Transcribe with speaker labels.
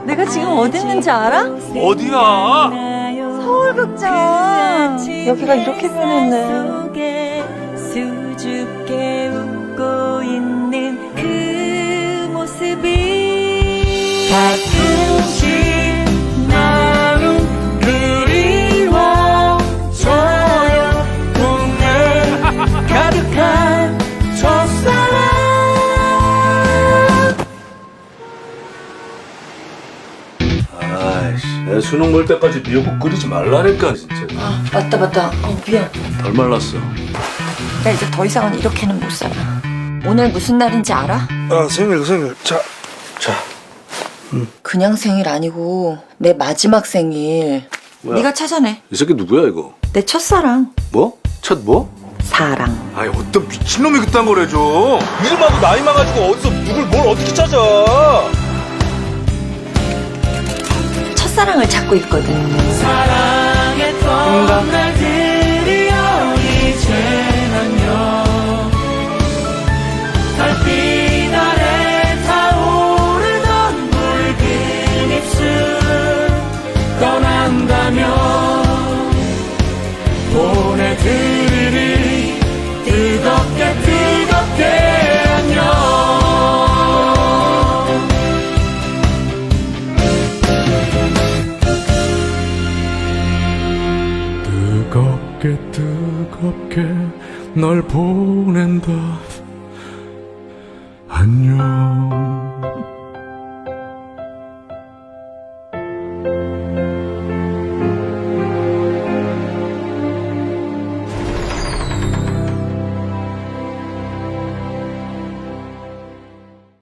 Speaker 1: 내가 지금 어디 있는지 알아?
Speaker 2: 어디야?
Speaker 1: 서울극장. 여기가 이렇게 변했네.
Speaker 3: 수줍게 웃고 있는 그 모습이 가끔씩 나는 그리워져요. 꿈에 가득한 첫사랑.
Speaker 2: 아이씨, 내 수능 볼 때까지 미역국 끓이지 말라니까 진짜.
Speaker 1: 아, 맞다. 미안.
Speaker 2: 덜 말랐어.
Speaker 1: 나 이제 더 이상은 이렇게는 못 살아. 오늘 무슨 날인지 알아?
Speaker 4: 아, 생일. 자.
Speaker 1: 그냥 생일 아니고 내 마지막 생일.
Speaker 2: 뭐야?
Speaker 1: 네가 찾아내.
Speaker 2: 이 새끼 누구야 이거?
Speaker 1: 내 첫사랑.
Speaker 2: 뭐? 첫 뭐?
Speaker 1: 사랑.
Speaker 2: 아이 어떤 미친놈이 그딴 걸 해줘. 이름하고 나이만 가지고 어디서 누굴 뭘 어떻게 찾아.
Speaker 1: 첫사랑을 찾고 있거든.
Speaker 3: 사랑했던 날들이여 이제는요 달빛 아래 타오르던 붉은 입술 떠난다면 보내드리리 뜨겁게 안녕.
Speaker 5: 뜨겁게 널 보낸다. 안녕.